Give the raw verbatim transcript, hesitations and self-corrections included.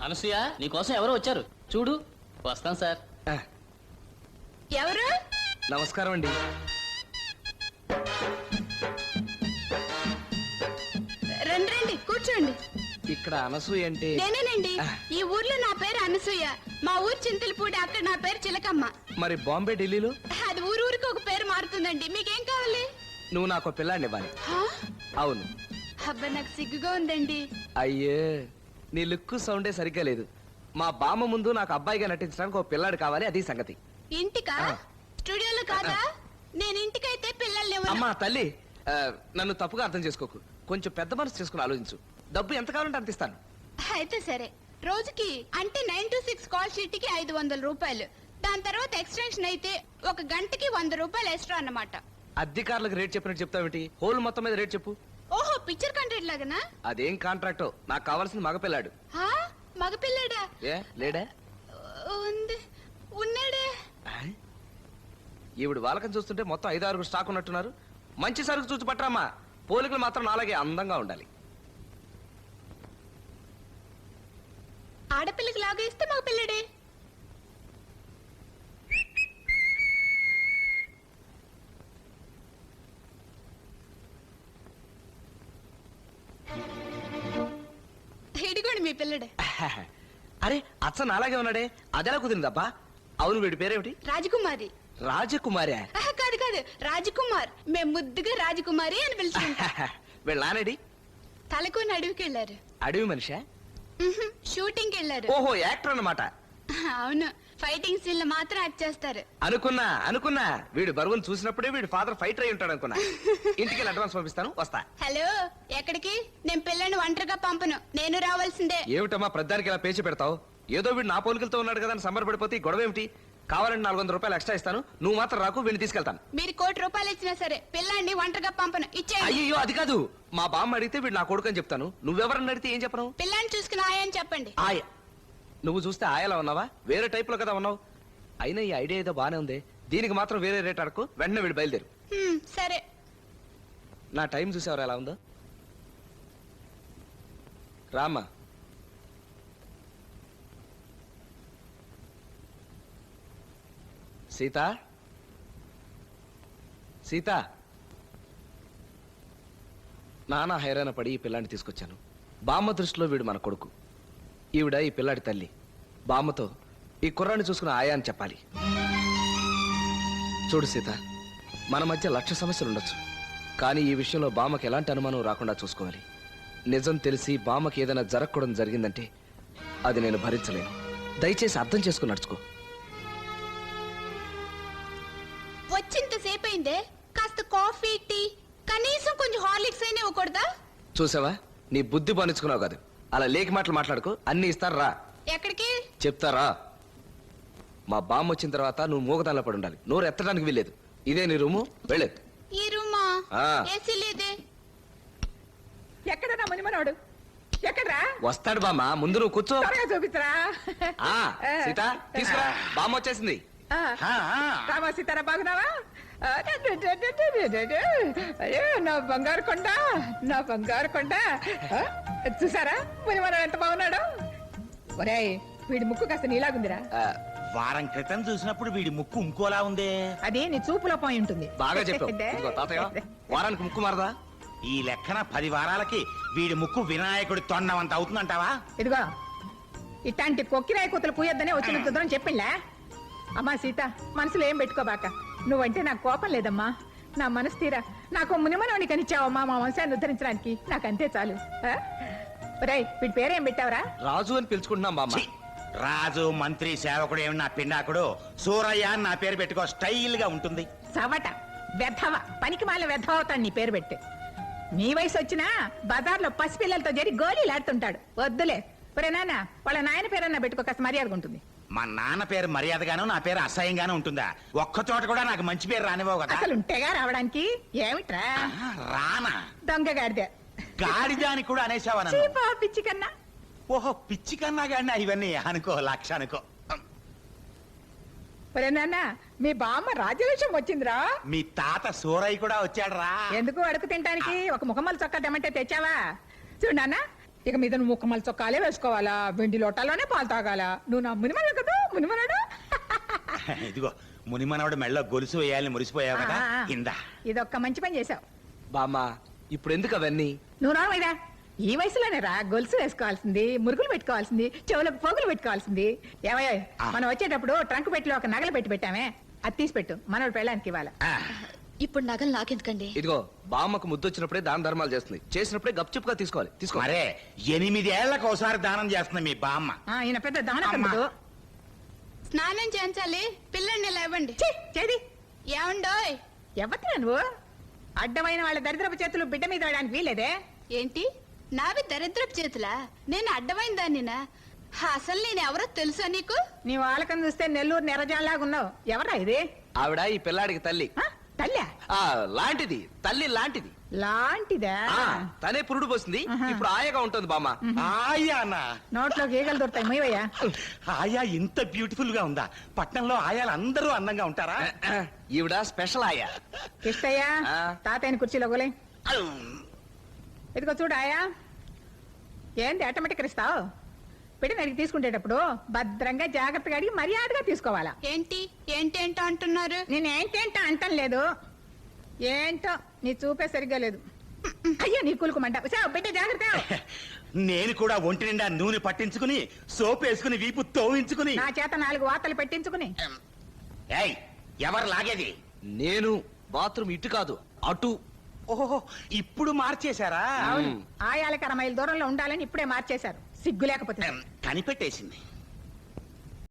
అనసూయ నీకోసం ఎవరో వచ్చారు చూడు. వస్తాం సార్. ఎవరు? నమస్కారం అండి. రండి రండి కూర్చోండి. ఇక్కడ అనసూయ అంటే నేనేనండి. ఈ ఊర్లో నా పేరు అనసూయ. మా ఊరు చింతలపూడి, అక్కడ నా పేరు చిలకమ్మ. మరి బాంబే ఢిల్లీలో? అది ఊరు ఊరికి ఒక పేరు మారుతుందండి. మీకేం కావాలి? నువ్వు నాకు పిల్లాడిని ఇవ్వాలి. అవును. అబ్బా నాకు సిగ్గుగా ఉందండి. అయ్యే నీ లుక్ సౌండే సరిగ్గా లేదు. మా బామ్మ ముందు నాకు అబ్బాయిగా నటించడానికి ఒక పిల్లాడు కావాలి, అది సంగతి. ఇంటికా? స్టూడియోలో కాదా? నేను ఇంటికైతే పిల్లల్ని ఇవ్వను. అమ్మా తల్లి, ఆ, నన్ను తప్పుగా అర్థం చేసుకోకు. కొంచెం పెద్ద మనసు చేసుకుని ఆలోచించు. డబ్బు ఎంత కావాలంటే అంత ఇస్తాను. అయితే సరే. రోజుకి అంటే nine to six call sheet కి ఐదు వందల రూపాయలు. దాని తర్వాత ఎక్స్టెన్షన్ అయితే ఒక గంటకి వంద రూపాయలు ఎక్స్ట్రా అన్నమాట. అధికారులకు రేట్ చెప్పినట్టు చెప్తావేంటి? హోల్ మొత్తం మీద రేట్ చెప్పు. ఓహో, పిక్చర్ కాంట్రాక్ట్ లాగనా? అదేం కాంట్రాక్టో, నాకు కావాల్సింది మగపిల్లాడు. మగపిల్లడా? ఏ లేడా? ఉంది, ఉన్నాడే. ఈవిడ వాళ్ళకం చూస్తుంటే మొత్తం ఐదు ఆరుగురు స్టాక్ ఉన్నట్టున్నారు. మంచి సరుకు చూసి పట్టరామ్మా. పోలికలు మాత్రం నాలాగే అందంగా ఉండాలి. ఆడపిల్లకి లాగా ఇస్తే మగపిల్లడే. ఇదిగోండి మీ పిల్లడే. అరే అచ్చ నాలాగే ఉన్నాడే, అదెలా కుదిరిందబ్బా? అవును, వీడి పేరేమిటి? రాజకుమారి. రాజకుమారి? కాదు కాదు, రాజకుమార్. మేము ముద్దుగా రాజకుమారి అని పిలుచుకుంటాం. వీళ్ళ నానేడి? తలకొని అడవికి వెళ్ళారు. అడవి మనిషా? షూటింగ్ వెళ్ళారు. ఓహో, యాక్టర్ అన్నమాట. అవును, ఫైటింగ్ సీన్ లో మాత్రం యాక్ట్ చేస్తారు. అనుకున్నా అనుకున్నా వీడు బరువును చూసినప్పుడే వీడి ఫాదర్ ఫైటర్ అయి ఉంటాడు అనుకున్నా. ఇంటికి అడ్వాన్స్ పంపిస్తాను, వస్తా. హలో, ఎక్కడికి? నేను పిల్లని ఒంటరిగా పంపను, నేను రావాల్సిందే. ఏమిటమ్మా ప్రధానికి ఇలా పేచి పెడతావు? ఏదో వీడు నా పోలికలతో ఉన్నాడు కదా అని సంబరపడిపోతే గొడవ ఏమిటి? కావాలంటే నాలుగు వందల రూపాయలు ఎక్స్ట్రా ఇస్తాను, నువ్వు మాత్రం రాకు, వీడిని తీసుకెళ్తాను. మీరు కోటి రూపాయలు ఇచ్చినా సరే పిల్లాన్ని ఒంటరిగా పంపను, ఇచ్చేయండి. అయ్యో అది కాదు, మా బామ్మ అడిగితే వీడు నా కొడుకు అని చెప్తాను. నువ్వెవరని అడిగితే ఏం చెప్పను? పిల్లాన్ని చూసుకుని ఆయని చెప్పండి. ఆయ నువ్వు చూస్తే ఆయలా ఉన్నావా? వేరే టైప్ లో కదా ఉన్నావు. అయినా ఈ ఐడియా ఏదో బానే ఉంది. దీనికి మాత్రం వేరే రేట్ అడకు, వెంటనే వీడు బయలుదేరు. హ్మ్, సరే. నా టైం చూసేవారు ఎలా ఉందో? రామ్మా. సీత, సీత. నానా హైరాణ పడి ఈ పిల్లాన్ని తీసుకొచ్చాను. బామ్మ దృష్టిలో వీడు మన కొడుకు, ఈవిడ ఈ పిల్లాడి తల్లి. బామ్మతో ఈ కుర్రాన్ని చూసుకుని ఆయా అని చెప్పాలి. చూడు సీత, మన మధ్య లక్ష సమస్యలు ఉండొచ్చు, కానీ ఈ విషయంలో బామ్మకి ఎలాంటి అనుమానం రాకుండా చూసుకోవాలి. నిజం తెలిసి బామ్మకి ఏదైనా జరగకూడదు జరిగిందంటే అది నేను భరించలేను. దయచేసి అర్థం చేసుకుని నడుచుకో. వచ్చింతసేపు అయిందే, కాస్త కాఫీ టీ కనీసం కొంచెం హార్లిక్స్ అయినా ఇవ్వకూడదా? చూసావా, నీ బుద్ధి బానించుకున్నావు కాదు. అలా లేకి మాటలు మాట్లాడుకో, అన్ని ఇస్తారు రా. ఎక్కడికి? చెప్తారా? మా బామ్మ వచ్చిన తర్వాత నువ్వు మూగదానిలో పడి ఉండాలి, నోరు ఎత్తడానికి వీల్లేదు. ఇదే నీ రూము, వెళ్ళేది. ఈ రూమా? ఏసీ లేదే. ఎక్కడన్నా మునిమనోడు? ఎక్కడ్రా? వస్తాడు బామ్మ, ముందు నువ్వు కూర్చో. త్వరగా చూపిస్తారా? సీత తీసుకురా, బామ్మ వచ్చేసింది. రామా సీతారా, బాగున్నావా? అయ్యో నా బంగారు కొండ, నా బంగారు కొండ. చూసారా మునిమనోడు ఎంత బాగున్నాడు? ఒరేయ్, వీడి ముక్కు కాస్త నీలాగుందిరా. వారం క్రితం చూసినప్పుడు వీడి ముక్కు ఇంకోలా ఉంది. అది నీ చూపులో పోయి ఉంటుంది. బాగా చెప్పావు తాతయ్య, వారానికి ముక్కు మారదా? ఈ లెక్కన పది వారాలకి వీడి ముక్కు వినాయకుడి తొండమంత అవుతుందంటావా? ఇదిగో, ఇట్లాంటి కొక్కిరాయి కూతులు పూయొద్దనే వచ్చిన కుదరని చెప్పిండ్లా. అమ్మా సీత, మనసులో ఏం పెట్టుకోబాక. నువ్వంటే నాకు కోపం లేదమ్మా, నా మనసు తీరా. నాకు మునిమనోని కనిచ్చావమ్మా మా వంశాన్ని ఉద్ధరించడానికి, నాకు అంతే చాలు. రేయ్, వీడి పేరేం పెట్టావురా? రాజు అని పిలుచుకుంటున్నాం బామ్మ. రాజు, మంత్రి, సేవకుడు ఏమి నా పిండాకుడు, సూరయ్య అని నా పేరు పెట్టుకో, స్టైల్ గా ఉంటుంది. చవట వెధవ, పనికి మాల వెధవ అవుతాడు నీ పేరు పెట్టి. నీ వయసు వచ్చినా బజార్లో పసిపిల్లలతో చేరి గోళీలాడుతుంటాడు. వద్దులే. ఒరే నాన్న, వాళ్ళ నాయన పేరన్నా పెట్టుకో, కాస్త మర్యాదగా ఉంటుంది. మా నాన్న పేరు మర్యాదగాను, నా పేరు అసహ్యంగాను ఉంటుందా? ఒక్క చోట కూడా నాకు మంచి పేరు రానివ్వవు కదా. అసలు ఉంటేగా రావడానికి. ఏమిట్రా రానా? దొంగ గాడిదే. గాడిదానికి కూడా అనేసావా? పిచ్చి కన్నా. ఓహో, పిచ్చి కన్నా గాడినా ఇవన్నీ అనుకో, లక్ష అనుకో. ఒరే నాన్న, మీ బామ్మ రాజ్యలక్ష్యం వచ్చిందిరా. మీ తాత సూరయ్య కూడా వచ్చాడు రా. ఎందుకు అడుగు తినడానికి? ఒక ముఖమల్ చొక్కా తెమ్మంటే తెచ్చావా? చూడు నాన్న, ఇక మీద నువ్వు ముక్కమల చొక్కాలే వేసుకోవాలా, వెండి లోటాలోనే పాలు తాగాల. నువ్వు నా మునిమన కదా, మునిమనాడు. ఇదిగో మునిమనవడు మెళ్ళ గొలుసు వేయాలని మురిసిపోయావు కదా, ఇందా. ఇదొక్క మంచి పని చేసావు. బామ్మ ఇప్పుడు ఎందుకు అవన్నీ? నువ్వు రావైరా, ఈ వయసులోనే రా గొలుసు వేసుకోవాల్సింది, మురుగులు పెట్టుకోవాల్సింది, చెవులకు పోగులు పెట్టుకోవాల్సింది. ఏమయ్య, ఆ. మనం వచ్చేటప్పుడు ట్రంక్ పెట్టిలో ఒక నగలు పెట్టి పెట్టామే, అది తీసి పెట్టు, మనోడు పెళ్ళానికి ఇవ్వాలి. ఆ, ఇప్పుడు నగలు నాకెందుకండి? ఇదిగో బామ్మకు ముద్దొచ్చినప్పుడే దాన ధర్మాలు చేస్తుంది, చేసినప్పుడే గప్చుప్గా తీసుకోవాలి. తీసుకో. మరే ఎనిమిదేళ్లకు ఒకసారి దానం చేస్తుంది మీ బామ్మ. ఆ, ఈయన పెద్ద దానకందుడు. స్నానం చేయించాలి, పిల్లల్ని లేవండి. ఛీ, చేది ఏమండోయ్? ఎవరినా నువ్వు? అడ్డమైన వాళ్ళ దరిద్రపు చేతులు బిడ్డ మీద వేయడానికి వీలేదే. ఏంటి నావి దరిద్రపు చేతులా? నేను అడ్డమైన దాన్నినా? అసలు నేను ఎవరో తెలుసా నీకు? నీ వాళ్ళకం చూస్తే నెల్లూరు నెరజాలాగా ఉన్నావు. ఎవరా ఇది? ఆవిడ ఈ పిల్లాడికి తల్లి. ఆ, తల్లా ఆ లాంటిది, తల్లి లాంటిది. లాంటిదా? ఆ తనే పురుడు పోసింది, ఇప్పుడు ఆయాగా ఉంటుంది బామ్మ. ఆయానా? నోట్లో గీగలు దొరుకుతాయి, మొయ్యవయ్యా. ఆయా ఇంత బ్యూటిఫుల్ గా ఉందా? పట్నంలో ఆయాలు అందరూ అందంగా ఉంటారా? ఈవిడ స్పెషల్ ఆయా. ఇష్టయ్యా, ఆ. తాతయ్యని కుర్చీలో గోలే. ఇదిగో చూడు ఆయా, ఏంది ఆటోమేటిక్ ఇస్తావు? పెట్టి నరికి తీసుకునేటప్పుడు భద్రంగా జాగ్రత్తగా అడిగి మర్యాదగా తీసుకోవాలా. ఏంటి ఏంటేంటో అంటున్నారు? నేను ఏంటేంటో అంటం లేదు, ఏంటో నీ చూపే సరిగ్గా లేదు. అయ్యో నీ కులుకుమంట. సావు, బిడ్డ జాగ్రత్త. నేను కూడా ఒంటి నిండా నూనె పట్టించుకుని సోప్ వేసుకుని వీపు తోవించుకుని. నా చేత నాలుగు వార్తలు పెట్టించుకుని. ఏయ్, ఎవరు లాగేది? నేను బాత్రూమ్ ఇటు కాదు అటు. ఓహో, ఇప్పుడు మార్చేశారా? అవును, ఆయాలకి అర మైలు దూరంలో ఉండాలని ఇప్పుడే మార్చేశారు, సిగ్గు లేకపోతే. కనిపెట్టేసింది.